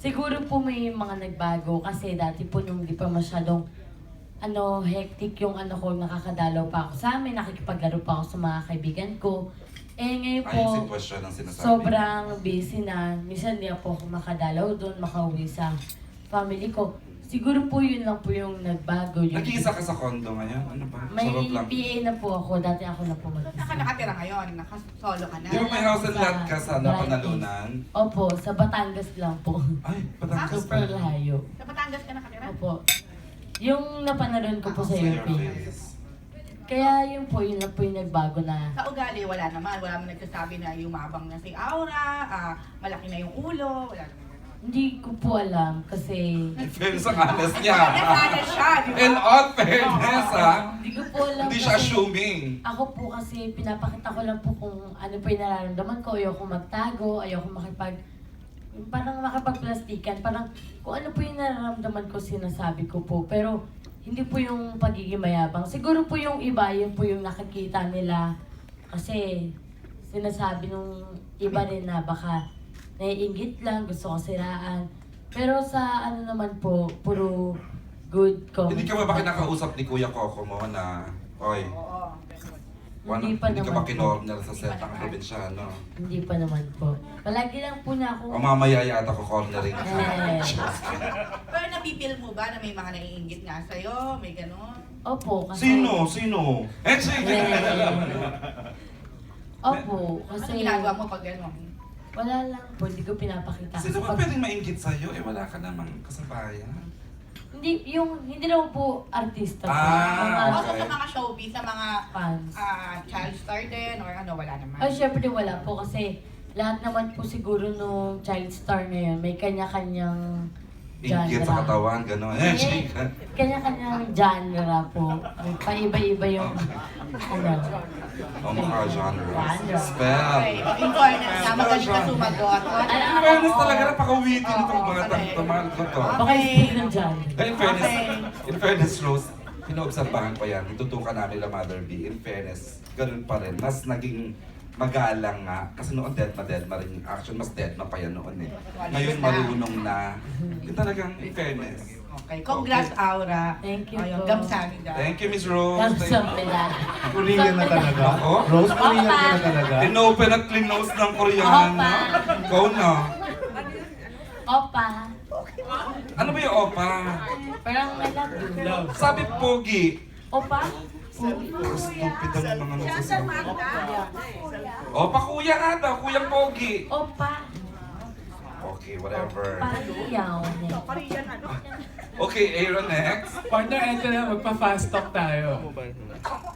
Siguro po may mga nagbago kasi dati po nung di pa masyadong hectic yung ko, nakakadalaw pa ako sa amin, nakikipaglaro pa ako sa mga kaibigan ko. Eh ngayon Ay, yung po, sitwasyon ang sinasabi. sobrang busy na. Minsan di ako makadalaw doon, makauwi sa family ko. Siguro po yun lang po yung nagbago. Yung Nag-iisa ka sa condo ngayon? Ano ba? may Charot lang. PA na po ako, dati ako na po mag-isa. Nakatira ngayon, solo ka na. Yung may house and lot ka sa Napanalunan? Opo, sa Batangas lang po. Ay, Batangas Super ba? layo. Sa Batangas ka nakatira? Opo. Yung napanaroon ko po sa Sa your Philippines. face. Kaya yun lang po yung nagbago na. Sa ugali, wala naman. Wala mo nagsasabi na yumabang na si Aura, malaki na yung ulo, wala naman. Hindi ko po alam kasi In fairness, ang honest niya. Nasana siya, di ba? In all fairness, ha? hindi ko po alam Hindi siya kasi assuming. ako po kasi pinapakita ko lang po kung ano po yung nararamdaman ko. Ayoko magtago, ayoko parang makipagplastikan. Parang kung ano po yung nararamdaman ko, sinasabi ko po. Pero hindi po yung pagiging mayabang. Siguro po yung iba, yun po yung nakikita nila. Kasi sinasabi nung iba rin na baka naiinggit lang, gusto ko siraan. Pero sa naman po, puro good comment. Hindi ka ba kinakausap ni Kuya Coco mo na, oy, Oo. Hindi pa hindi ka naman ba po. kinorner sa set ng probinsyano? Hindi pa naman po. Palagi lang po na ako. O mamaya yata ko cornering ka. Eh. Pero napipil mo ba na may mga naiinggit nga sa'yo? May gano'n? Opo, kasi... Sino? Sino? Eh, sige! Opo, Ano kasi... ginagawa mo pag gano'n? Wala lang po, hindi ko pinapakita. Sino Kasi ba pwedeng mainggit sa'yo? Eh, wala ka namang kasabayan. Hindi naman po artista po. Ah, Mga Also sa mga showbiz, sa mga fans. child star din, or ano, wala naman. Oh, syempre wala po kasi lahat naman po siguro nung child star na yun, may kanya-kanyang Inggit sa katawan, gano'n. Eh, chika. Kanya-kanyang genre po. Paiba-iba yung O mukha genre. Genre. Spell. Okay, in fairness na, magaling ka sumagot. In fairness talaga, napaka-witty nitong mga tamahal ko to. Baka speak ng genre. In fairness, Rose, pinoobserbahan ko yan. Itutukan namin la Mother B. In fairness, ganun pa rin. Mas naging magalang nga. Kasi noon dead na rin yung action. Mas dead pa yan noon eh. Ngayon marunong na. Yun talagang in fairness. Okay, congrats Aura. Thank you Ayun, po. gamsamin daw. Thank you, Miss Rose. Kamsam nila. Korean na talaga. Ako? Rose, Korean ka na talaga. Tinopen at clinose ng Koreano. Opa. Ikaw na. Opa. Ano ba yung opa? Parang I love you. Sabi pogi. Opa? Stupid ang mga nagsasabi. Opa, kuya nga daw. Kuyang pogi. Opa. Okay, whatever. Pariyaw. Okay, Aaron next. Partner, ito na, magpa-fast talk tayo.